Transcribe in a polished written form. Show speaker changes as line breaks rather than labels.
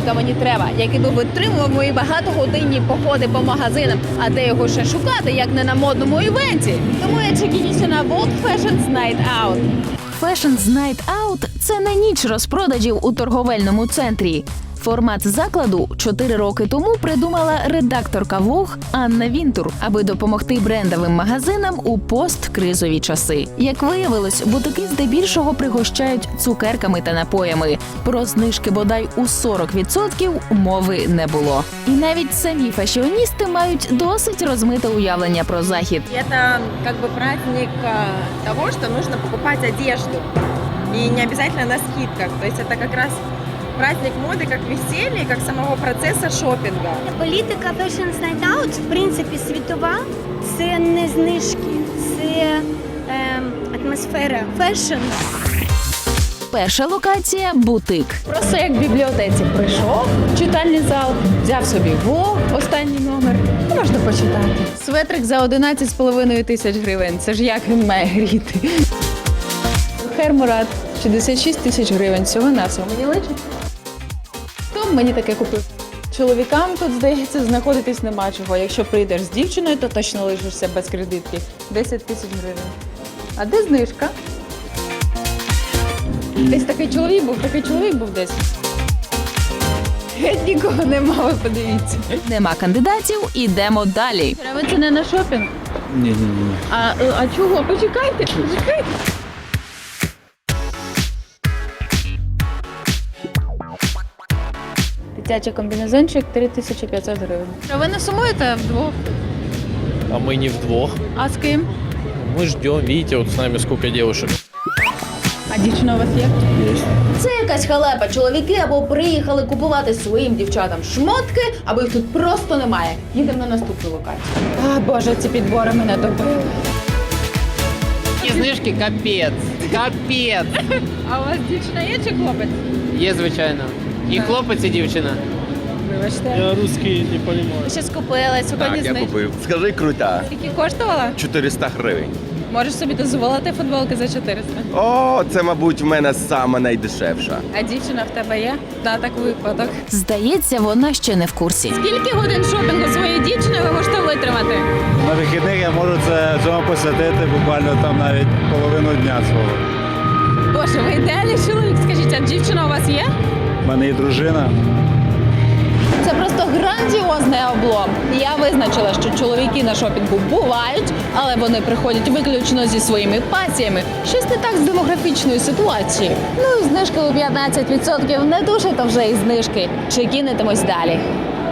чоловіка мені треба, який би витримував мої багатогодинні походи по магазинам. А де його ще шукати, як не на модному івенті? Тому я чекінюся на World Fashion's Night Out.
Fashion's Night Out – це не ніч розпродажів у торговельному центрі. Формат закладу 4 роки тому придумала редакторка Vogue Анна Вінтур, аби допомогти брендовим магазинам у посткризові часи. Як виявилось, бутики здебільшого пригощають цукерками та напоями. Про знижки бодай у 40% мови не було. І навіть самі фешіоністи мають досить розмите уявлення про захід.
Это как бы праздник того, что нужно покупать одежду. И не обязательно на скидках. То есть это как раз праздник моды, как веселье, как самого процесса шопинга.
Політика Fashion's Night Out, в принципі, світова. Це не знижки, це атмосфера фешн.
Перша локація – бутик.
Просто як в бібліотеці прийшов, читальний зал, взяв собі Vogue, останній номер, і можна почитати. Светрик за 11,5 тисяч гривень. Це ж як він має гріти. Хермурат 66 тисяч гривень. Всього на всього. Мені личить? Хто б мені таке купив? Чоловікам тут, здається, знаходитись нема чого. Якщо прийдеш з дівчиною, то точно лишишся без кредитки. 10 тисяч гривень. А де знижка? Десь такий чоловік був десь. Геть нікого нема, ви подивіться.
Нема кандидатів – ідемо далі.
А ви це не на шопінг?
Ні.
А чого? Почекайте. Дитячий комбінезончик 3500 гривень. А ви не сумуєте вдвох?
А мы не вдвох.
А з ким?
Мы ждем, видите, вот с нами сколько девушек.
А дівчина у вас є?
Есть.
Це якась халепа. Чоловіки або приїхали купувати своїм дівчатам шмотки, або їх тут просто немає. Їдемо на наступну локацію. А, Боже, ці підбори мене добили.
І знижки капець. Капець.
А у вас дівчина є чи хлопець?
Є, звичайно. І хлопець, і дівчина.
Вибачте.
Я русский не понимаю.
Ви щось купили, сьогодні
Так, я
знижки.
купив. Скажи, крута.
Скільки коштувала?
400 гривень.
Можеш собі дозволити футболки за 400.
О, це, мабуть, в мене сама найдешевша.
А дівчина в тебе є? На так випадок.
Здається, вона ще не в курсі.
Скільки годин шопінгу своєї дівчини ви можете витримати?
На вихідних я можу цьому посвятити буквально там навіть половину дня свого.
Боже, ви ідеальний чоловік. Скажіть, а дівчина у вас є?
У мене є дружина.
Це просто грандіозний облом. Я визначила, що чоловіки на шопінгу бувають, але вони приходять виключно зі своїми пасіями. Щось не так з демографічною ситуацією. Ну і знижки у 15% не дуже, то вже і знижки. Чи кинетимось далі?